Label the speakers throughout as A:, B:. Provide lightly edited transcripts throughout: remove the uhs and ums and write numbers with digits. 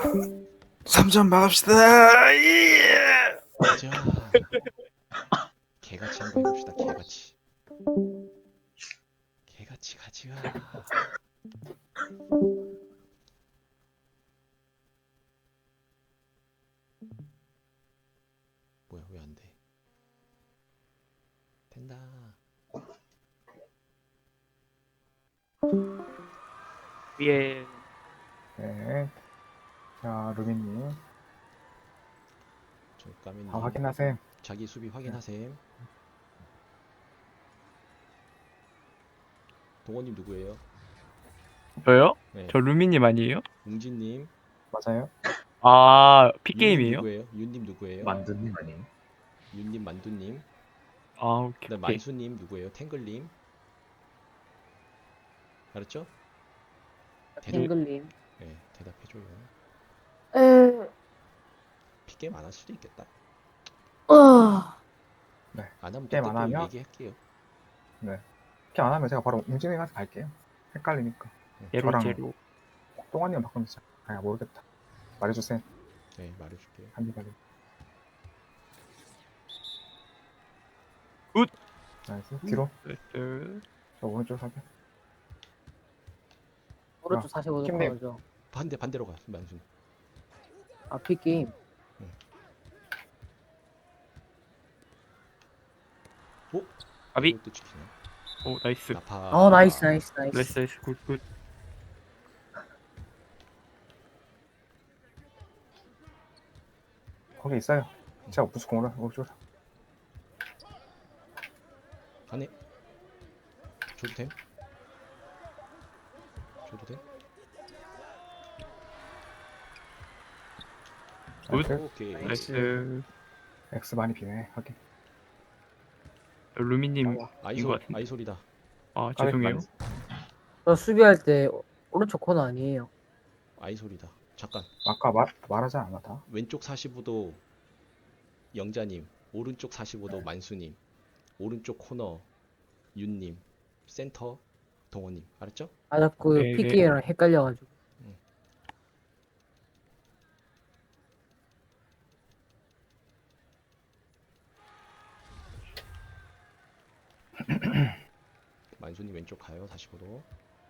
A: 3점 막읍시다. 예!
B: 가자. 개같이 한번 해봅시다. 개같이. 개같이 가자. 뭐야 왜 안 돼? 된다.
C: 위에
D: 네. 자, 루비님.
B: 저 까매님.
D: 다 확인하세요.
B: 자기 수비 확인하셈. 동원님 누구예요?
C: 저요?
B: 네.
C: 저 루미님 아니에요?
B: 웅진님.
D: 맞아요?
C: 아
B: 윤님
C: 픽게임이에요?
B: 누구예요? 윤님 누구예요?
E: 만두님 아니에요?
B: 윤님 만두님.
C: 아 오케이
B: 그다음
C: 오케이.
B: 만수님 누구예요? 탱글님. 알았죠?
F: 탱글님.
B: 네, 대답해줘요.
F: 에,
B: 픽게임 안 할 수도 있겠다. 안 하면
D: 게임
B: 그때
D: 안
B: 또
D: 하면?
B: 얘기할게요.
D: 이렇게 안 하면 제가 바로 웅진이 가서 갈게요. 헷갈리니까.
C: 제로
D: 저랑
C: 제로.
D: 똥아님 바꾸면서. 아, 모르겠다. 말해주세요.
B: 네, 말해줄게요.
D: 한입하게.
C: 굿!
D: 나이스. 뒤로.
C: 나이스.
D: 저 오른쪽 사게.
F: 오른쪽 45도
D: 킴님.
F: 커죠.
B: 반대로 가, 만수님.
F: 아, 픽게임.
B: 오?
C: 아비.
B: 이것도 지키네.
C: 오 나이스.
B: 나파.
F: 어, 나이스, 나이스, 나이스.
C: 나이스 나이스 굿굿.
D: 거기 있어요. 제가 부스 공으로 오른쪽으로.
B: 가네. 줘도 됨? 줘도 돼?
C: 굿.
D: 나이스.
B: 오케이.
C: 나이스.
D: X 많이 비네. 확인.
C: 루미님
B: 아이
C: 인것
B: 소리,
C: 같은데.
B: 아이 소리다.
C: 아 죄송해요.
F: 저 수비할 때 오른쪽 코너 아니에요.
B: 아이 소리다. 잠깐.
D: 아까 말하지 않았다.
B: 왼쪽 45도 영자님, 오른쪽 45도 만수님, 오른쪽 코너 윤님, 센터 동원님. 알았죠?
F: 아, 자꾸
C: 네, 네.
F: 픽게임이랑 헷갈려가지고.
B: 만수님 왼쪽 가요. 45도.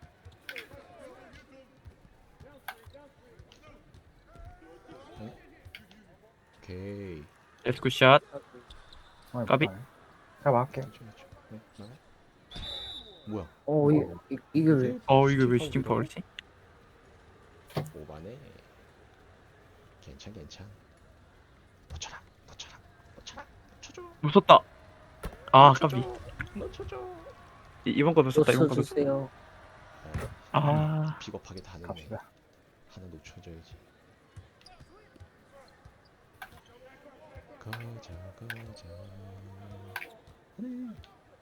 B: 오케이.
C: 나이스 굿샷.
D: 어,
C: 까비.
D: 제가 막을게.
B: 천천히, 천천히. 네, 나가. 뭐야?
F: 어, 이게 왜?
C: 이거 왜 슈팅 파울이지?
B: 오반에. 괜찮. 놓쳐라. 놓쳐줘.
C: 무섭다. 아 까비.
B: 놓쳐줘.
C: 이번 거 놓쳤다 이번 거 놓쳤다.
F: 놓쳐주세요.
C: 아
B: 비겁하게 다 넣네.
D: 갑시다.
B: 하나 놓쳐줘야지. 가자. 하네.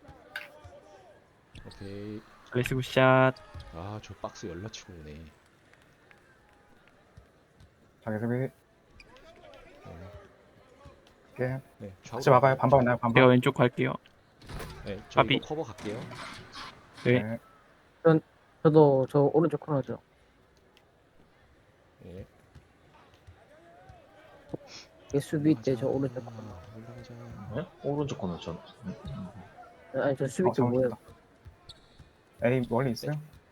B: 오케이.
C: 나이스 굿샷.
B: 아, 저 박스 열라치고 오네.
D: 자기 수비.
B: 네,
D: 게임.
B: 네,
D: 같이 막아요. 반반 나요. 반반.
C: 제가 왼쪽 갈게요.
B: 네, 저
C: 아비.
B: 이거 커버 갈게요.
C: 네.
F: 저도 저 오른쪽 코너죠.
B: 네.
F: 얘 수비 때 저 오른쪽 코너.
B: 올라가자.
E: 네? 오른쪽 코너 전.
F: 아니, 저 수비 때 뭐예요?
D: A 멀리 있어요?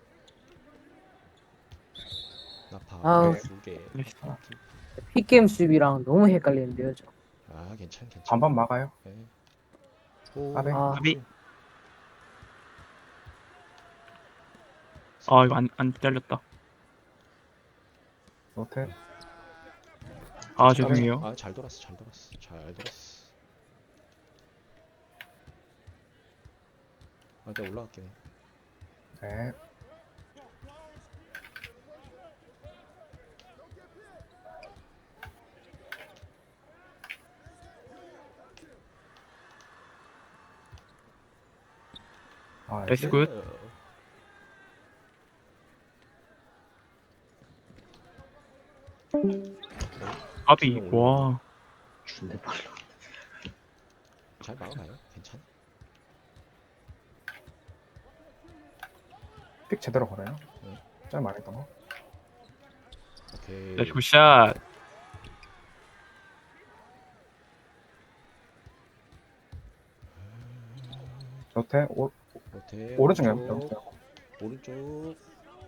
B: 나파
F: 아우.
B: 두 개.
C: 나이스.
F: 픽게임 수비랑 너무 헷갈리는데요, 저.
B: 아, 괜찮.
D: 반반 막아요.
B: 네. 오,
D: 아비.
F: 아,
C: 아비. 아 이거 안 잘렸다.
D: 노트.
C: 아 죄송해요.
B: 아, 잘 돌았어. 아, 내가 올라갈게.
D: 네. 아,
C: 나이스 굿. 아비. 와.
E: 준대 빨라.
B: 잘 막아봐요. 괜찮아.
D: 픽 제대로 걸어요.
B: 네.
D: 좀 말했던 거.
B: 오케이.
C: 나이스 굿샷.
D: 여태
B: 로테.
D: 오른쪽이요.
B: 오른쪽.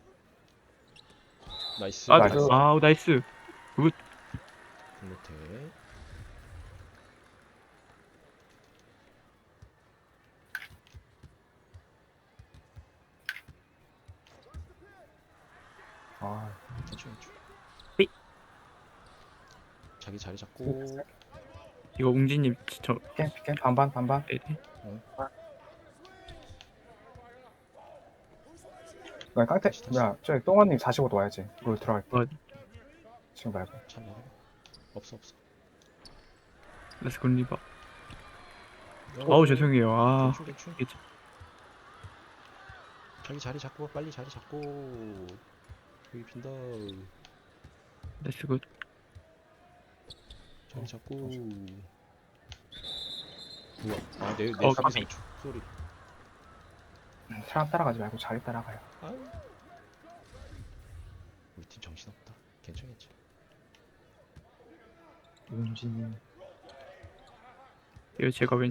B: 나이스.
C: 아,
D: 나이스.
C: 아우 나이스.
B: 로테.
D: 아,
B: 천천히.
C: 삐.
B: 자기 자리 잡고.
C: 이거 웅진님 저
D: 피켄 반반.
C: 네.
D: 나 깡태. 야, 저기 똥언님 45도 와야지. 롤 들어갈 때.
C: 어.
D: 지금 말고.
B: 참 먹어. 없어.
C: 나이스 굿리바. 아우 죄송해요. 아
B: 대충.
C: 이게
B: 자기 자리 잡고 빨리 자리 잡고. 여기 빈다.
C: 나이스 굿.
B: 자리 잡고. 우와. 내
C: 까비.
B: 수비 소리.
D: 사람 따라가지 말고 자기 따라가요.
B: 아유. 우리 팀 정신없다. 괜찮겠지.
E: 용진이.
C: 이거 제가 왼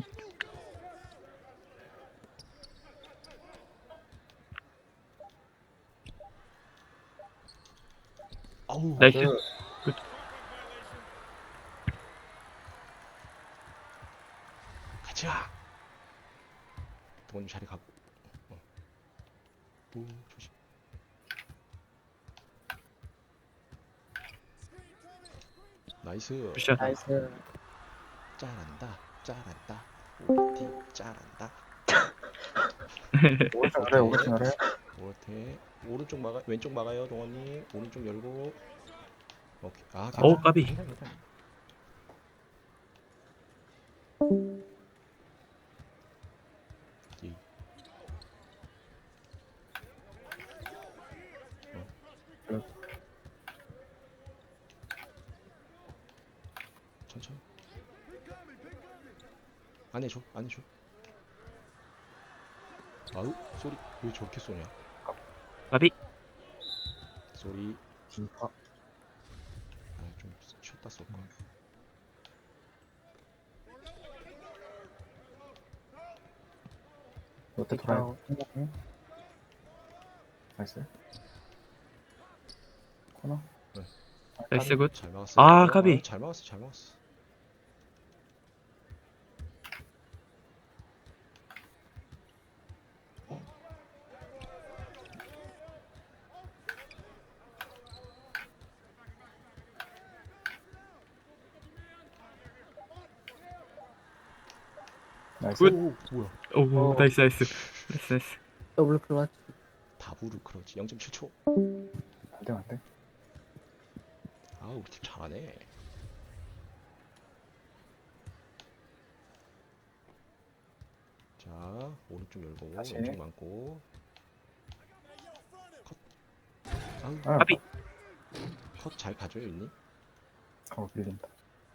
B: 아우.
C: 나이스.
B: 가자. 동원님 자리 가고. 오 조심. 나이스.
C: 굿샷.
F: 나이스.
B: 잘한다. 오티 잘한다.
D: 오른쪽 아래.
B: 오르테 오른쪽 막아 왼쪽 막아요 동원님. 오른쪽 열고. 오케이. 아
C: 오 까비.
B: 괜찮아. 이. 천천히. 안 해줘. 아우 소리 왜 저렇게 쏘냐?
C: 까비.
B: 소리.
E: 진파.
B: 좀 쉬었다 쏠 걸.
D: 여태 돌아요. 나이스. 코너.
C: 나이스 굿.
B: 잘 막았어.
C: 아, 까비.
B: 잘 막았어.
D: 나이스.
C: 굿.
B: 오 뭐야?
C: 오 나이스.
F: 더블 클러치.
B: 다부르 크러지 0.7초.
D: 안 돼.
B: 아 우리 팀 잘하네. 자 오른쪽 열고
D: 다시.
B: 왼쪽 많고. 컷. 아우
D: 아,
C: 까비.
B: 컷 잘 봐줘요 윤님.
D: 밀린다.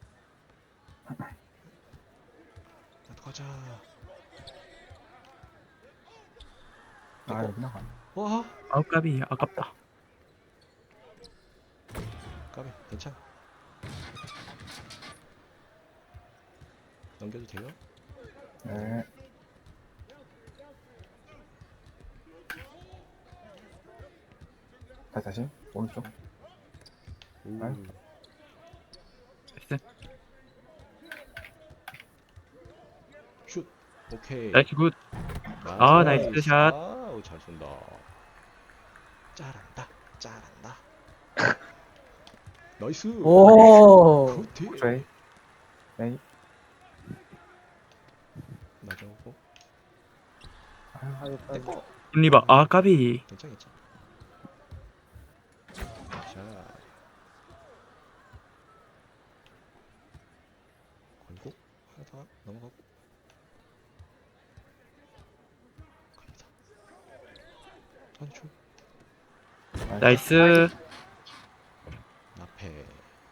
B: 나도 가자.
D: 아, 여기 나가.
B: 와
C: 아우 까비. 아깝다.
B: 까비 괜찮아. 넘겨도 돼요?
D: 네. 다시. 오른쪽.
B: 오.
D: 아유.
C: 나이스.
B: 슛. 오케이.
C: 나이스 굿. 아, 나이스 샷.
B: 아우 잘 쏜다. 잘한다. 나이스.
F: 오.
B: 그렇지.
D: 저희. 네.
B: 맞아고.
F: 아유, 까비.
B: 내꺼.
C: 굿리바. 아 까비.
B: 괜찮아. 자. 걸고 하나 더 넘어가고. 갑니다. 한초.
C: 나이스.
B: 앞에.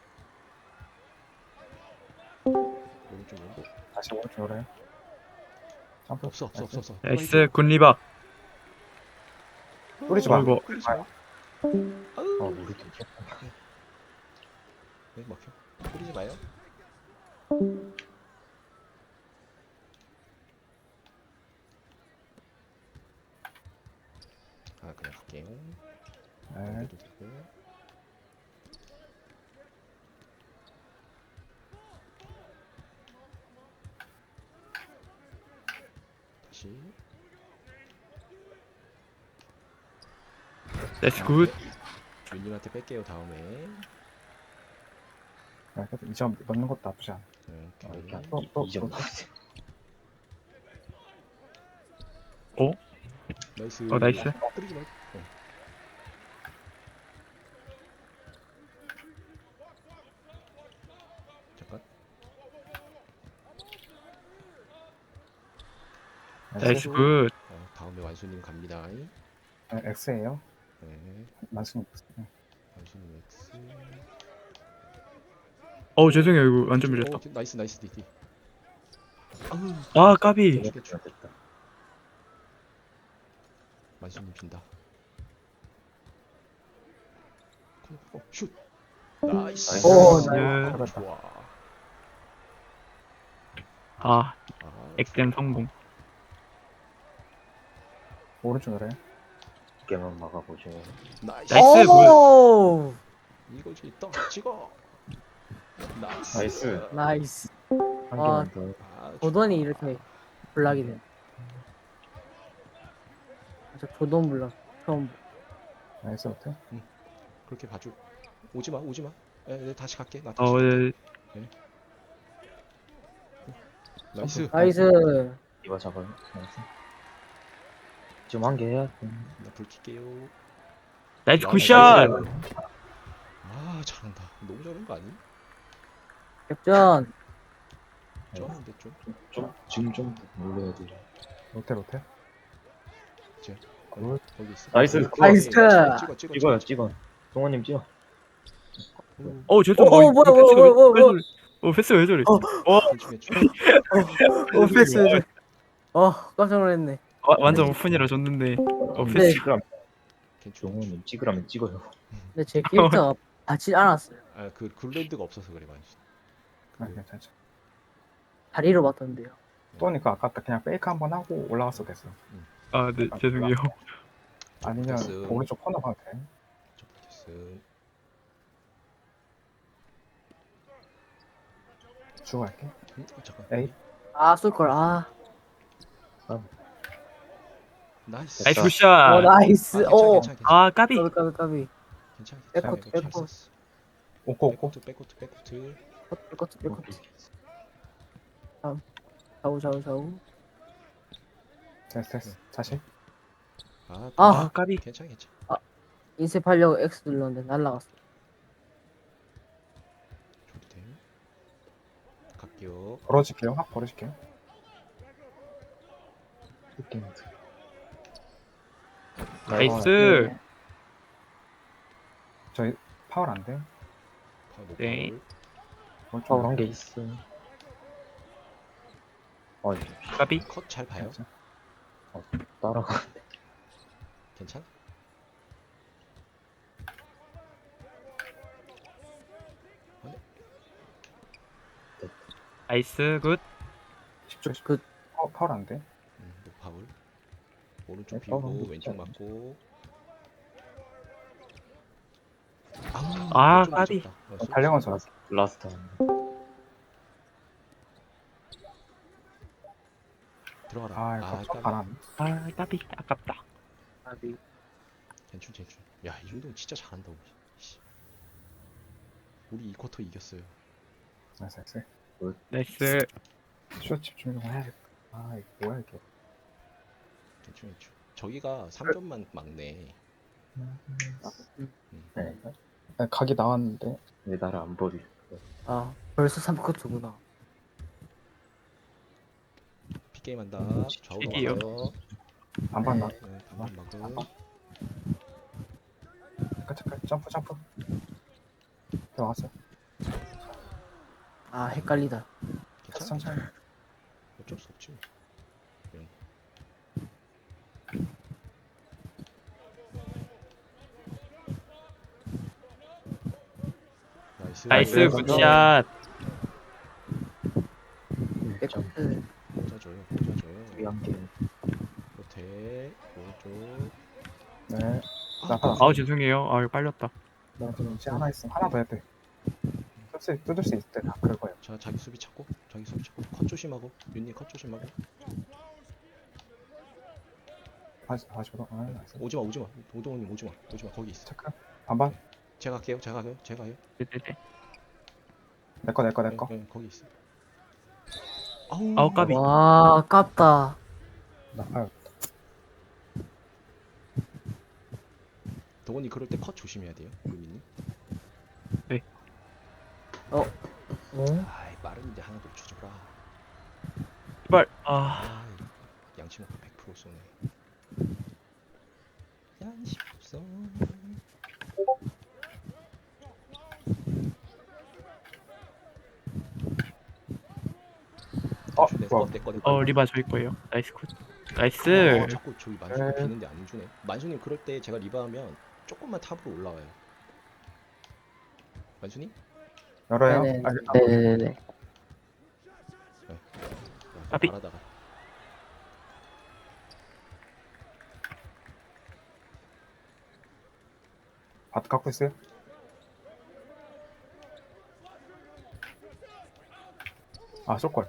B: 오른쪽 왼쪽.
D: 다시 오른쪽으로 해. 점프.
B: 없어.
C: 나이스 굿리바.
D: 뿌리지 마.
C: 아이고.
B: 뿌리지 마.
E: 아 우리 팀.
B: 네, 먹혀. 뿌리지 마요. 아 그냥 갈게요.
D: 네.
B: 넘겨도 되고. 다시.
C: 나이스 굿.
B: 윤님한테 뺄게요 다음에.
D: 네, 그래도 2점 넣는 것도 나쁘지 않아.
B: 네,
E: 아,
B: 오케이.
E: 이렇게 한
D: 또, 또,
E: 2점
D: 또.
E: 나왔어요.
C: 어?
B: 나이스.
C: 나이스.
B: 뿌리지 말고. 잠깐.
C: 나이스 굿.
B: 다음에 완수님 갑니다.
D: 네, X예요.
B: 네,
D: 만수님. 네.
B: 완수님 X.
C: 죄송해요. 이거 완전 밀렸다.
B: 나이스 나이스 디디.
C: 아, 까비.
E: 이거 됐다.
B: 만수님 빈다. 슛. 나이스.
F: 오,
C: 나이스.
B: 좋아.
C: 아,
B: 아,
C: 엑셈 성공.
D: 오른쪽 열어요.
E: 두께만 막아보죠.
B: 나이스.
C: 나이스.
F: 오,
B: 이거지. 떡 찍어. 나이스.
E: 나이스.
F: 나이스.
E: 한
F: 아,
E: 개만 더.
B: 아,
F: 조던이 이렇게 블락이네. 저 조던 블락 처음.
D: 나이스 호텔.
B: 그렇게 봐줘. 오지 마, 오지 마. 네, 다시 갈게. 나 다시.
C: 네.
B: 나이스.
F: 나이스.
E: 이거 잡아요. 나이스. 지금 한 개 해야 돼.
B: 나불 킬게요.
C: 나이스
B: 야,
C: 굿샷.
B: 아, 잘한다. 너무 잘한 거 아니?
F: 역전.
B: 쩌는데 좀.
E: 지금 좀 올려야 돼.
D: 호텔 호텔.
B: 제.
D: 굿.
B: 거기 있어.
E: 나이스.
F: 나이스.
B: 찍어.
E: 찍어. 동원님 찍어.
C: 죄송.
F: 오, 뭐야.
C: 패스 왜 저래?
F: 오, 패스. 깜짝 놀랐네.
C: 완전 오픈이라 줬는데.
F: 네.
C: 패스.
E: 찍으라면
B: 괜찮아.
E: 동원님 찍으라면 찍어요.
F: 근데 제 캐릭터가 받지 않았어요.
B: 아, 그 굴랜드가 없어서 그래, 많이.
D: 아, 괜찮죠.
F: 다리로 봤던데요.
D: 또니까 아깝다. 그냥 페이크 한번 하고 올라갔어 됐어.
C: 아, 네, 죄송해요.
D: 아니면
B: 됐어.
D: 오른쪽 코너 가도 돼.
B: 됐음.
D: 주고 갈게.
B: 잠깐.
D: 에이.
F: 아, 쏠걸. 아,
B: 나이스.
C: 나이스
E: 됐다.
C: 굿샷.
F: 나이스. 오,
C: 아, 까비.
F: 까비.
B: 괜찮아.
F: 백코트,
B: 잘
F: 백코트.
B: 썼어.
D: 오고 오고.
B: 백코트.
F: 빼코트. 좌우.
D: 됐어. 다시.
B: 아,
F: 아,
C: 까비.
B: 괜찮아.
F: 인쇄하려고 X 눌렀는데 날라갔어.
B: 줘도 돼. 갈게요.
D: 벌어질게요. 확 벌어질게요.
C: 나이스.
D: 저희 파울 안 돼.
C: 네.
E: 파울 한 개 있어. 어이,
C: 까비.
B: 컷잘 봐요.
E: 따라가.
B: 괜찮아?
C: 나이스 굿.
D: 10초.
F: 굿.
D: 파울 안 돼.
B: 파울. 오른쪽
E: 네,
B: 비고
E: 파울
B: 왼쪽
E: 안
B: 맞고.
C: 아,
B: 좀
C: 까비.
B: 늦었다.
D: 달려간 선.
E: 라스트.
B: 들어가라.
D: 아, 이거 좀 바람.
C: 아, 까비. 아깝다.
B: 괜춘. 야, 이 정도면 진짜 잘한다. 우리. 씨. 우리 이 쿼터 이겼어요.
D: 나이스.
C: 나이스.
D: 슛 집중 좀 해야겠다. 아, 이거 뭐야 이게.
B: 괜춘. 저기가 3점만 막네.
E: 네.
D: 네, 각이 나왔는데.
E: 왜 나를 안 버리?
F: 아, 벌써 3코트구나.
B: 픽게임 한다. 좌우로
C: 픽이요.
B: 막아요.
D: 안 봤나?
B: 네, 반반 막음.
D: 잠깐. 점프. 들어왔어.
F: 아, 헷갈리다.
B: 괜찮아?
D: 천천히.
B: 어쩔 수 없지. 응.
C: 나이스
D: 네,
C: 굿샷.
E: 점
F: 네.
B: 꽂아줘요. 꽂아줘요.
E: 위험계
B: 호텔 오른쪽.
D: 네.
B: 아,
D: 나가.
C: 아우 죄송해요. 아유 빨렸다.
D: 나 지금 시 하나 있으면 하나 더 해야 돼. 뜯을 수 있을 때 다 그럴 거예요.
B: 자, 자기 수비 찾고. 자기 수비 찾고. 컷 조심하고. 윤님 컷 조심하고.
D: 다시 보자. 아, 나이스.
B: 오지마 오지마. 오동훈님 오지마. 오지마. 거기 있어.
D: 체크. 반반.
B: 제가 할게요. 제가 가요. 제가 가요.
C: 네네네.
D: 내 거.
B: 네, 거기 있어.
C: 아우 까비.
F: 와, 아깝다.
D: 나파요.
B: 동훈이 그럴 때 컷 조심해야 돼요. 윤님.
F: 어?
B: 아이, 빠른데 하나 더 쳐줘라.
C: 제발. 아
B: 아, 양심 없고 100% 쏘네. 양심 없어.
D: 좋아.
B: 내 거.
C: 리바 저희 거예요. 나이스 굿. 나이스.
B: 자꾸 저기 만수님
D: 네.
B: 비는데 안 주네. 만수님 그럴 때 제가 리바하면 조금만 탑으로 올라와요. 만수님?
D: 열어요.
F: 네네.
D: 아,
F: 네네네.
C: 까비.
B: 바라다가.
D: 밭 갖고 있어요? 아, 쏠걸.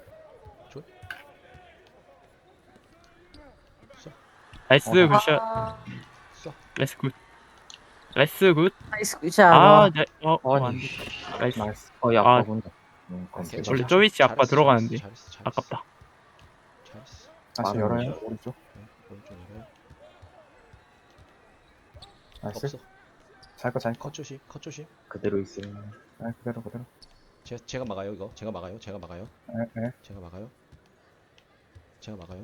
C: 나이스
D: 어,
C: 굿샷.
B: 쏴.
C: 나이스 굿. 나이스 굿.
F: 나이스 굿샷.
C: 아, 안
E: 아니
C: 돼. 나이스.
D: 나이스.
E: 아까
C: 아.
E: 본다
D: 오케이.
C: 원래 저 위치 아까 들어가는데. 아깝다.
B: 잘했어.
D: 다시
E: 빠른
D: 열어요.
E: 거죠.
D: 오른쪽.
B: 오른쪽 열어요.
D: 나이스.
B: 없어.
D: 잘 거.
B: 컷 조심. 컷 조심.
E: 그대로 있어요.
D: 네, 그대로.
B: 제가 막아요 이거. 제가 막아요.
D: 네.
B: 제가 막아요. 제가 막아요.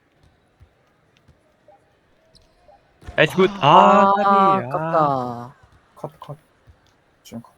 C: 나이스 굿.
F: 아,
C: 까비. 아.
F: 아깝다.
D: 컷. 쭉 컷.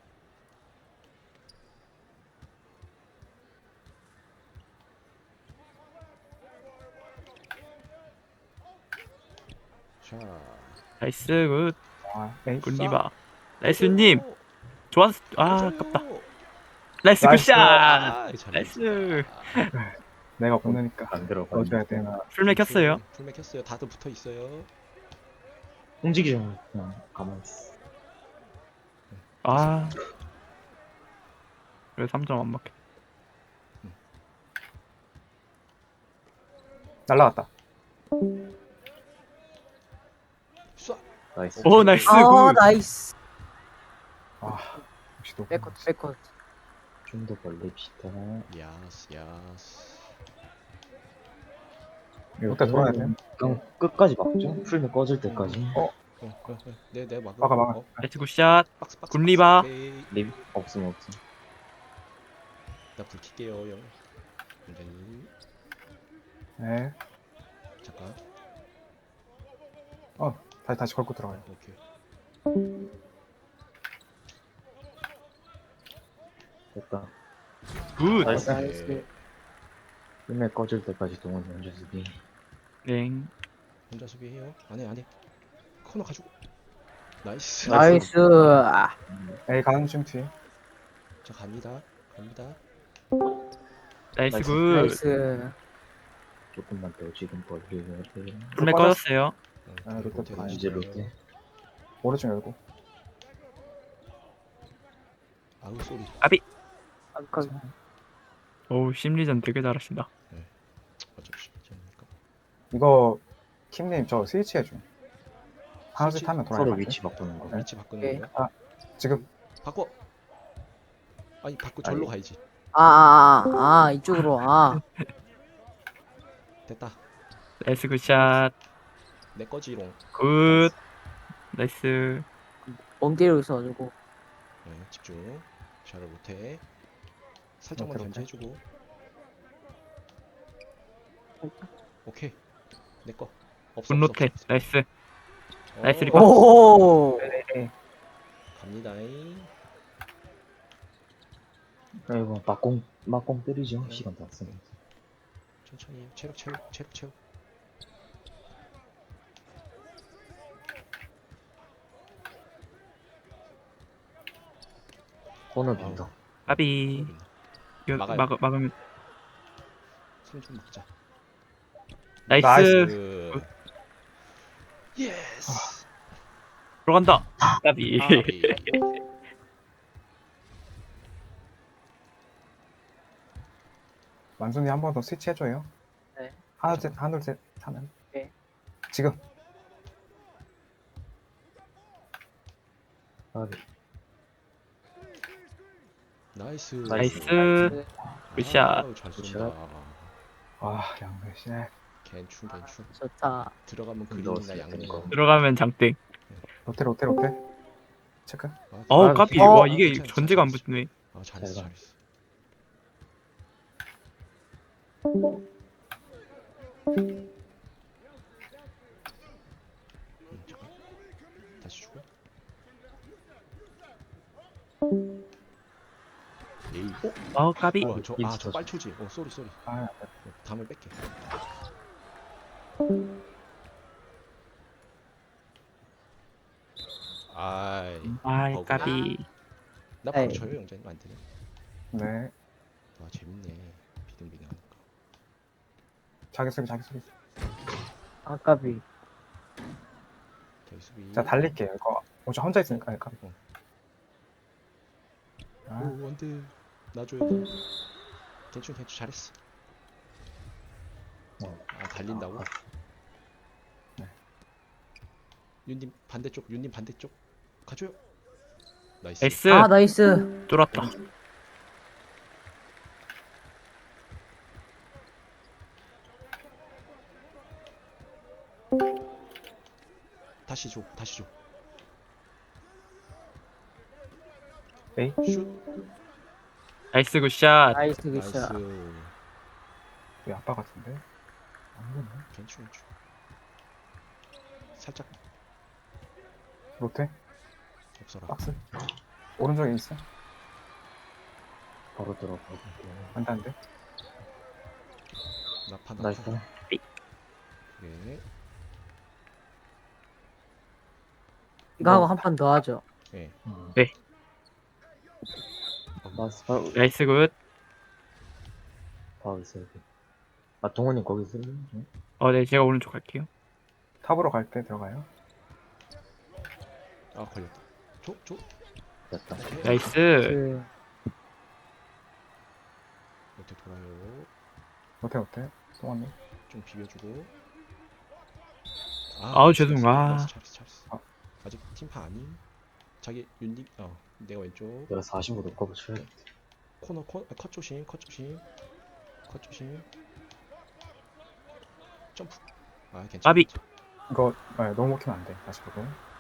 B: 자.
C: 나이스 굿.
D: 아, 에이.
C: 굿 리바. 나이스님. 좋았어. 아, 아깝다. 나이스
D: 나이스.
C: 굿샷.
B: 아, 잘했어.
C: 나이스.
D: 내가 보내니까
E: 안 들어가.
D: 넣어줘야 되나.
C: 풀맥 켰어요.
B: 풀맥 켰어요. 다들 붙어 있어요.
E: 움직이지 마. 그냥 가만히 있어.
C: 아. 왜 3점 안 먹혀?
D: 날라갔다.
B: 쏴.
E: 나이스.
C: 오, 나이스
F: 아,
C: 굿.
F: 나이스.
D: 아, 역시 너.
F: 백컷.
E: 좀 더 벌립시다.
B: 야스.
D: 이때 돌아야 돼.
E: 그냥 끝까지 막죠. 풀면 꺼질 때까지.
B: 네, 막아.
D: 막아.
C: 나이스 굿샷.
B: 박스.
C: 굿 리바.
B: 오케이.
E: 립 없음.
B: 나불 킬게요, 형. 원장님.
D: 네.
B: 잠깐.
D: 다시 걸고 들어가요.
B: 오케이.
E: 됐다.
C: 굿.
E: 나이스.
F: 나이스.
E: 풀면 꺼질 때까지 동원이 혼자 수비.
C: 네.
B: 혼자 수비해요. 안 해. 코너 가지고. 나이스.
F: 나이스. 아,
D: 에이, 가는 중 뒤에.
B: 자, 갑니다.
C: 나이스
E: 나이스.
C: 굿.
F: 나이스.
E: 조금만 더 지금 벌려야 돼.
C: 풀맥 꺼졌어요.
D: 롯데 봐요.
E: 이제 롯데.
D: 오른쪽 열고.
B: 아우 쏘리.
F: 아깝.
C: 오, 심리전 되게 잘하신다.
B: 어차피 쉽지 않으니까.
D: 이거 킴님 저 스위치 해줘. 하나씩
B: 스위치?
D: 타면
E: 서로
D: 돌아요.
E: 위치 바꾸는 거.
B: 위치 바꾸는
F: 오케이.
B: 거예요?
D: 지금
B: 바꿔. 아니 바꿔 절로 가야지.
F: 이쪽으로. 아.
B: 됐다.
C: 나이스 굿샷.
B: 내 거지롱.
C: 굿. 나이스.
F: 멍때리고 있어가지고.
B: 네, 집중. 잘을 못해. 살짝만
D: 못해.
B: 견제해주고. 오케이. 내 거. 없어.
C: 굿로테.
B: 없어.
C: 나이스.
B: 어,
C: 나이스 리바.
F: 오.
B: 갑니다잉.
E: 이거 막공 때리죠. 시간 다 쓰면.
B: 천천히. 체력.
E: 코너 빈다.
C: 까비. 이거
B: 막아요.
C: 막으면
B: 승좀 먹자.
C: 나이스.
B: 나이스. 예스.
C: 들어간다. 까비.
B: 아비.
D: 만순이 한 번 더 스위치 해줘요.
F: 네.
D: 하나 둘 셋 하면.
F: 네.
D: 지금.
E: 까비.
B: 나이스.
C: 나이스.
F: 네.
C: 굿샷.
B: 아우, 잘 쏜다.
D: 아 양배씨.
B: 괜춘.
F: 좋다.
B: 들어가면
E: 넣었을
B: 그림이나 양념.
E: 테니까.
C: 들어가면 장땡.
D: 로테. 체크.
C: 어우
E: 아,
C: 까비.
F: 어.
C: 와 이게
B: 괜찮아,
C: 전제가 안
B: 잘했어.
C: 붙네.
B: 아, 잘했어.
E: 잘
B: 잘했어. 잠깐. 다시 주고. 에이.
C: 어 까비.
B: 뭐야, 저
E: 인스타 줘.
B: 빨초지. 쏘리.
D: 아
B: 다음에 뺄게. 아이.
C: 아
B: 버그.
C: 까비.
B: 나 바로
F: 에이.
B: 쳐요, 영자님 안 되네.
D: 네.
B: 아, 재밌네. 비등비등하니까.
D: 자기 소리.
F: 아까비.
B: 저기 수비.
D: 자 달릴게요. 이거 어차 혼자 있으니까 약간.
B: 어.
D: 아,
B: 오, 원드. 놔줘요. 괜찮 잘했어. 아, 달린다고?
D: 네.
B: 윤님 반대쪽. 가줘요. 나이스.
C: 나이스.
F: 아 나이스.
C: 뚫었다.
B: 다시 줘.
D: 에이.
B: 슛.
C: 나이스 굿샷.
F: 나이스
B: 나이스.
F: 굿샷.
D: 왜 아빠 같은데? 안 보네.
B: 괜찮. 살짝
D: 로테.
B: 없어라.
D: 박스. 오른쪽에 있어.
E: 바로 들어가고.
D: 안돼.
B: 나파.
E: 나이스.
B: 네.
F: 이거 하고 한 판 더 하죠.
B: 네.
C: 네.
E: 나이스. 바로
C: 나이스 굿.
E: 있어요. 아 동원님 거기 있어요?
C: 네 제가 오른쪽 갈게요.
D: 탑으로 갈 때 들어가요.
B: 아, 걸렸다. 줘.
E: 됐다.
C: 나이스.
F: 그
B: 이렇게 돌아요.
D: 로테. 동원님.
B: 좀 비벼주고.
C: 아우, 죄송. 아.
B: 잘했어. 아직 팀파 아님. 자기 윤님. 내가 왼쪽.
E: 내가 45도 커버 쳐야겠다.
B: 코너 컷 조심. 점프. 아, 괜찮아.
C: 까비.
D: 이거 너무 먹히면 안 돼. 다시 보고.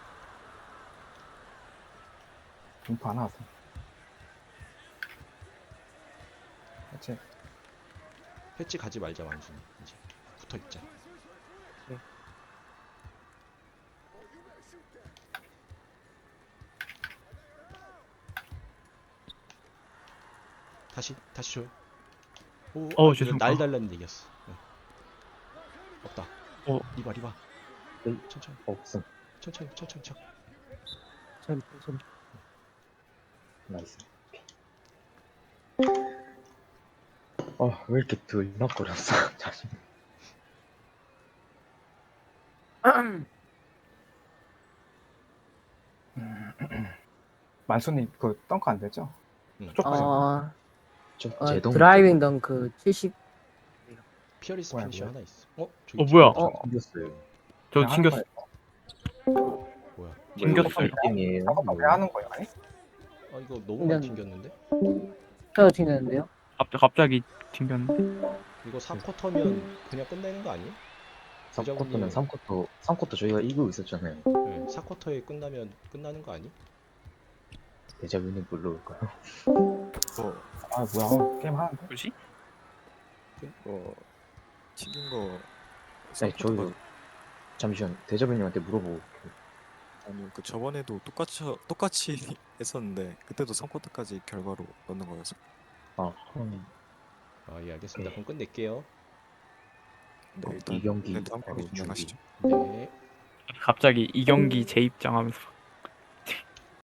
D: 인포 하나 왔어. 그렇지.
B: 패치 가지 말자, 완순이. 이제 붙어 있자. 다시 줘요. 오,
C: 죄송.
B: 날 달랐는데 이겼어. 네. 없다. 리바.
E: 에이.
B: 천천히.
E: 없음.
B: 천천히.
F: 좀
E: 나이스. 왜 이렇게 들락거렸어? 자신.
D: 만수님 그 덩크 안 되죠?
B: 응.
D: 쪽까지.
E: 좀
F: 어,
E: 제동.
F: 드라이빙 덩크 70.
B: 피어리스
D: 뭐야,
B: 피니시
D: 뭐야.
B: 하나 있어. 저기
C: 뭐야?
E: 생겼어요.
C: 저
D: 그냥 하는
C: 튕겼어.
D: 거예요.
B: 뭐야?
C: 튕겼어요.
E: 게임이에요.
D: 왜 하는 거예요? 아니?
B: 이거 너무 많이
F: 그냥-
B: 튕겼는데?
F: 헤어 튀는데요?
C: 갑자기 튕겼네.
B: 이거 4쿼터면 그냥 끝내는 거 아니에요?
E: 3쿼터는 3쿼터 저희가 이기고 있었잖아요.
B: 네, 4쿼터에 끝나면 끝나는 거 아니?
E: 대자뷰는 불러올까요?
D: 아 뭐야? 게임 하는데?
C: 뭐지?
A: 튀긴 거
E: 아니 저희 잠시만 대자뷰님한테 물어보고.
A: 아니 그 저번에도 똑같이 했었는데 그때도 3쿼터까지 결과로 넣는 거여서
B: 예, 알겠습니다. 그럼 끝낼게요.
A: 네, 일단
E: 이 경기
A: 네, 다음 경기
E: 바로
A: 진행하시죠.
B: 네.
C: 갑자기 이 경기 재입장하면서